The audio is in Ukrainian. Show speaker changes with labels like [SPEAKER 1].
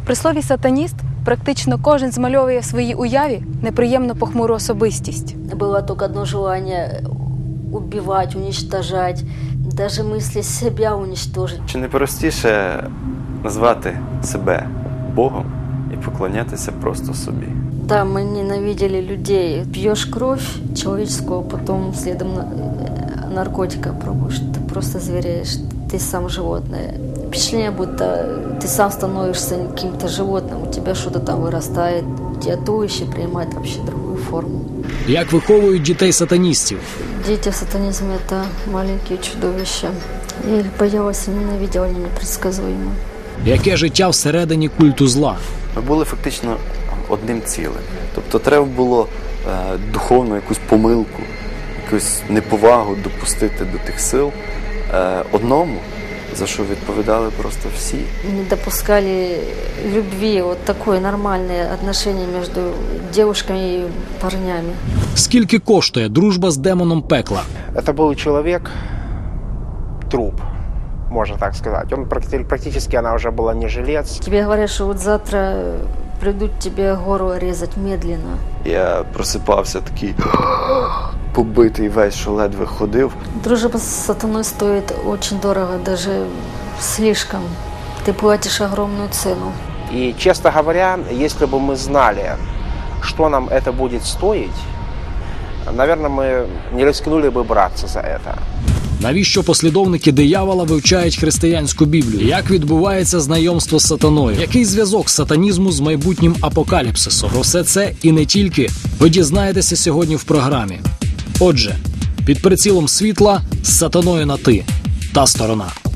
[SPEAKER 1] При слові «сатаніст» практично кожен змальовує в своїй уяві неприємно похмуру особистість.
[SPEAKER 2] Было только одно желание – убивать, уничтожать, даже мысли себя уничтожить.
[SPEAKER 3] Чи не простіше назвати себе Богом і поклонятися просто собі?
[SPEAKER 2] Да, мы ненавидели людей. Пьешь кровь человеческую, потом следом наркотика пробуешь. Ты просто звереешь, ты сам животное. Впечатление, будто ты сам становишься каким-то животным, у тебя что-то там вырастает, тебя туловище принимает вообще другую форму.
[SPEAKER 4] Як виховують дітей-сатаністів?
[SPEAKER 2] Дети в сатанизме – это маленькие чудовища. Я их боялась и ненавидела, они непредсказуемы.
[SPEAKER 4] Яке життя всередині культу зла?
[SPEAKER 3] Ми були фактично одним цілим. Тобто треба було духовну якусь помилку, якусь неповагу допустити до тих сил одному, за що відповідали просто всі.
[SPEAKER 2] Не допускали любви, вот такое нормальное отношение между девушками и парнями.
[SPEAKER 4] Скільки коштує дружба з демоном пекла?
[SPEAKER 5] Это был человек, труп, можно так сказать. Он практически, она уже была не жилец.
[SPEAKER 2] Тебе говорят, что вот завтра придут тебе гору резать медленно.
[SPEAKER 3] Я просипався такий побитий весь, що ледве ходив.
[SPEAKER 2] Дружба с сатаной стоит очень дорого, даже слишком. Ты платишь огромную цену.
[SPEAKER 5] И, честно говоря, если бы мы знали, что нам это будет стоить, наверное, мы не рискнули бы браться за это.
[SPEAKER 4] Навіщо послідовники диявола вивчають християнську Біблію? Як відбувається знайомство з сатаною? Який зв'язок сатанізму з майбутнім апокаліпсисом? Про все це і не тільки ви дізнаєтеся сьогодні в програмі. Отже, під прицілом світла з сатаною на «ти» та сторона.